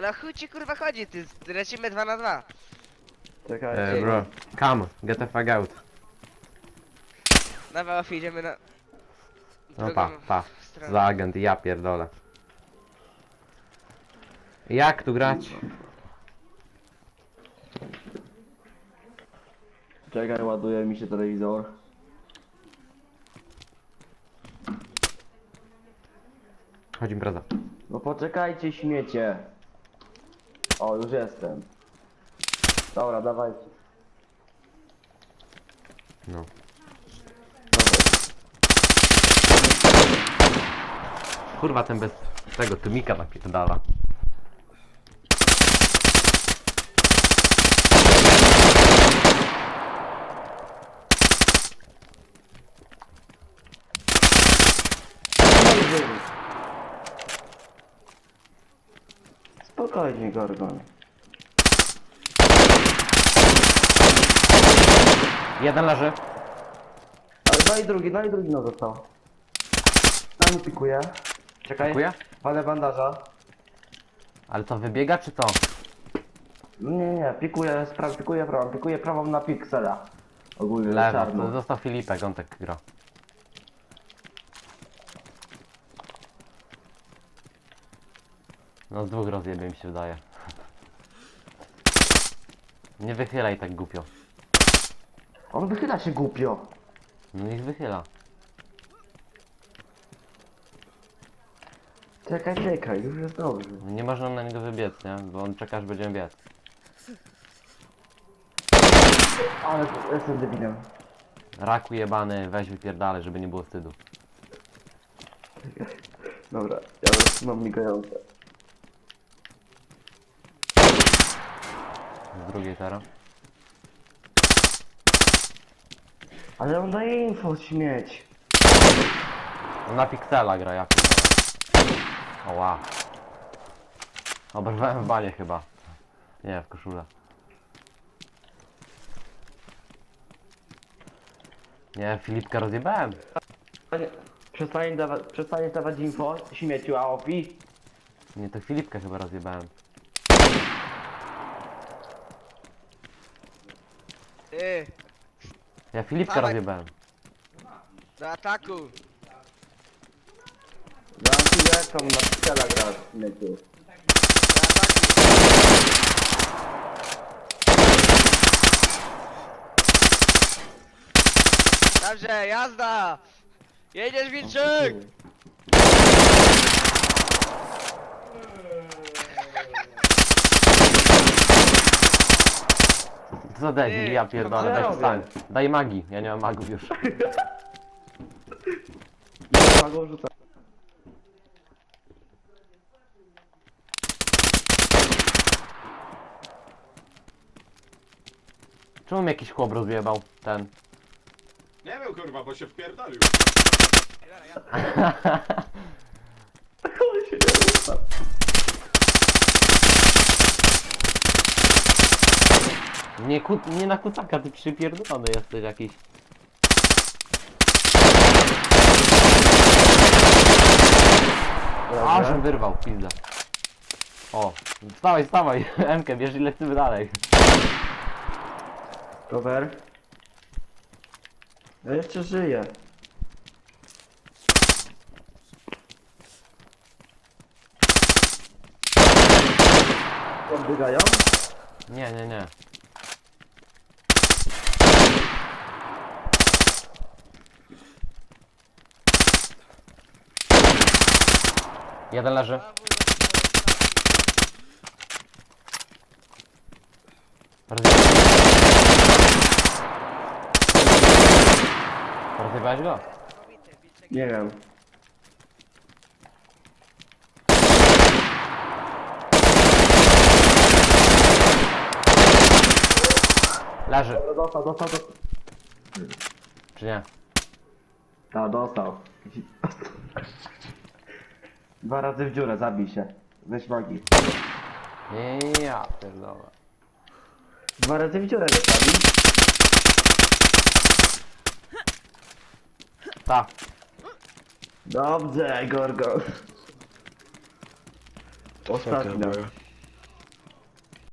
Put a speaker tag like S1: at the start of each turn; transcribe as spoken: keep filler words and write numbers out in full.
S1: Ale chuj ci kurwa chodzi, ty, lecimy dwa na dwa.
S2: Czekaj.
S3: E, bro, come, get the fuck out.
S1: Dobra, Ofi, idziemy na...
S3: No
S1: drugą
S3: pa, pa.
S1: stronę.
S3: Za agent, ja pierdolę. Jak tu grać?
S2: Czekaj, ładuje mi się telewizor.
S3: Chodź impreza.
S2: No poczekajcie, śmiecie. O, już jestem. Dobra, dawajcie.
S3: No. Kurwa, ten bez tego tymika napierdala.
S2: Spokojnie, Gorgon.
S3: Jeden leży.
S2: Ale no i drugi, no i drugi no został. Tam pikuje. Czekaj.
S3: Pikuje?
S2: Palę bandaża.
S3: Ale co, wybiega czy co?
S2: No nie, nie, pikuje, spra- pikuje prawą, pikuje prawą na piksela. Ogólnie
S3: Lewo,
S2: czarną.
S3: to został Filipek, on tak gra. No z dwóch rozjebie mi się wydaje. Nie wychylaj tak głupio.
S2: On wychyla się głupio.
S3: No niech wychyla.
S2: Czekaj, czekaj, już jest dobrze.
S3: Nie można na niego wybiec, nie? Bo on czeka aż będziemy biec.
S2: Ale jestem debilem.
S3: Raku jebany, weź wypierdalaj, żeby nie było wstydu.
S2: Dobra, ja już mam migające.
S3: Z drugiej teraz.
S2: Ale on daje info, śmieć.
S3: No na piksela gra, ja pierdolę. Oła. Oberwałem w banie chyba. Nie, w koszulę. Nie, Filipka rozjebałem.
S2: Przestań dawać, przestań dawać info, śmieciu, a opi.
S3: Nie, to Filipkę chyba rozjebałem.
S1: Ty,
S3: Ja Filipkę
S1: Dawaj.
S3: rozjebałem.
S1: do ataku.
S2: Dam ci jaką na piksela gra, śmieciu.
S1: Do ataku. Dobrze, jazda! Jedziesz, Wilczyk!
S3: Co debil, ja pierdolę,
S2: co ja
S3: weź
S2: robię?
S3: wstań. Daj magii, ja nie mam magów już.
S2: Ja go wrzucę.
S3: Czemu mi jakiś chłop rozjebał? Ten.
S4: Nie wiem kurwa, bo się wpierdolił.
S2: On się nie rusa.
S3: Nie, ku, nie na kucaka, ty przypierdolony jesteś jakiś. Aż
S2: Dobra.
S3: wyrwał, pizda. O, wstawaj, wstawaj, Emkę, bierz i lecimy dalej.
S2: Cover. Ja jeszcze żyję. Odbiegają?
S3: Nie, nie, nie. Jeden leży. Rozjebałeś Rozjebałeś go?
S2: Nie wiem.
S3: Leży,
S2: Dostał, dostał, dostał.
S3: czy nie?
S2: A, dostał. Dwa razy w dziurę, zabij się. Weź magii.
S3: Ja pierdolę.
S2: Dwa razy w dziurę wystawi.
S3: Ta.
S2: Dobrze, Gorgo. Ostatnia.